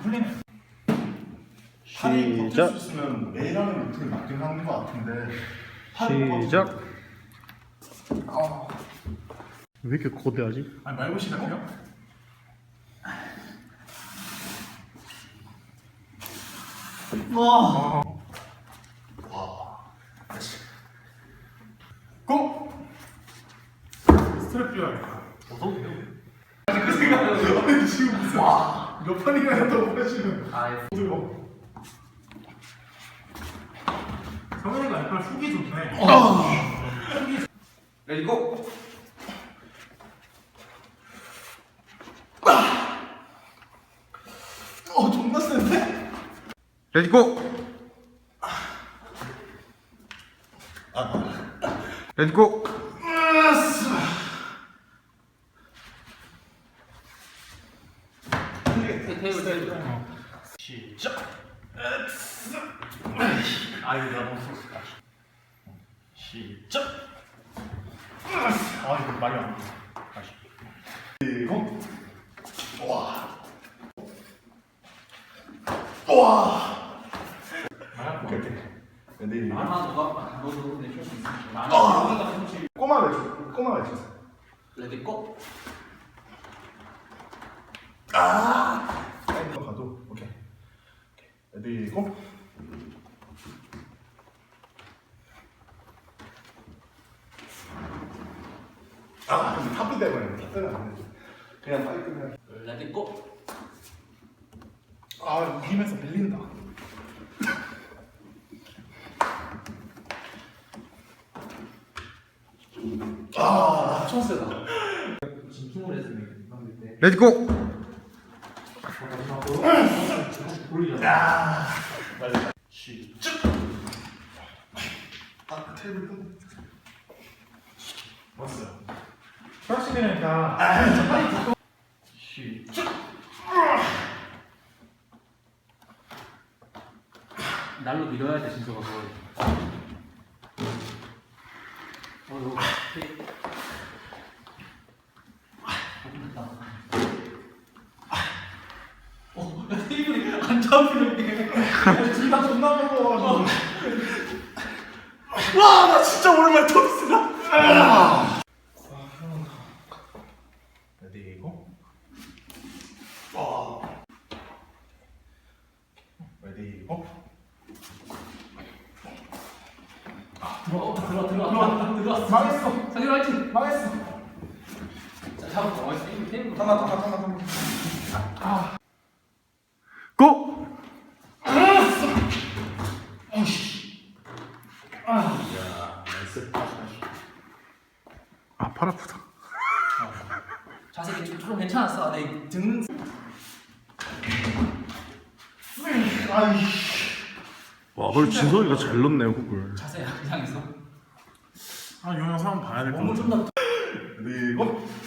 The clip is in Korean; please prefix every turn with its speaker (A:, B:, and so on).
A: 풀리네.
B: 팔이 버틸 수 있으면 매일 하는 루틴이 맞긴 하는 것 같은데.
C: 시작. 왜 이렇게 거대하지?
A: 아니 말고 시작해요? 와. 고! 스트랩 필요하겠다. 그 생각은 지금 무슨 몇 판이나 했다고 하시는. 들고. 성현이가 약간 훅이 좋네.
D: 레디고.
B: 존나 센데?
D: 레디고. 레디고.
A: 시작. 아이고 내가 너무 썼다. 시작. 아 이거 말이 안 돼. 다시.
B: 그리고 와. 오케이 오케이. 레디.
D: 너도 내 쉴수 있어.
B: 꼬마 외쳐. 꼬마 외쳐.
D: 레디고.
B: 사이드로 가도 오케이. 레디 고. 근데 탑이 되면 탑은 안 돼. 그냥 빨리 끝내.
D: 레디고.
A: 이기면서 밀린다.
D: 엄청 세다. 지금 24명 만들 때.
C: 레디고.
A: 시작.
B: 테이블 좀.
A: 왔어요. 프라시니까 시작.
D: 날로 밀어야 돼 진짜가 그걸. 이거 야, 테이블이 안 잡히는 게.
A: 둘다 존나 무거워.
B: 나 진짜 오랜만에 토스다.
A: 레디 고.
B: 레디 고.
D: 들어왔어.
A: 망했어.
D: 상현 화이팅.
A: 망했어.
D: 자, 잡았어. 테이블.
B: 잠깐.
C: 고. 팔 아프다.
D: 자세 좀 괜찮았어. 내 등.
C: 와, 그래 진석이가 잘 넣네 훅을.
D: 자세 이상했어.
A: 이 영상 봐야 될 것
D: 몸을
A: 같아.
D: 좀 더.
B: 레디 고.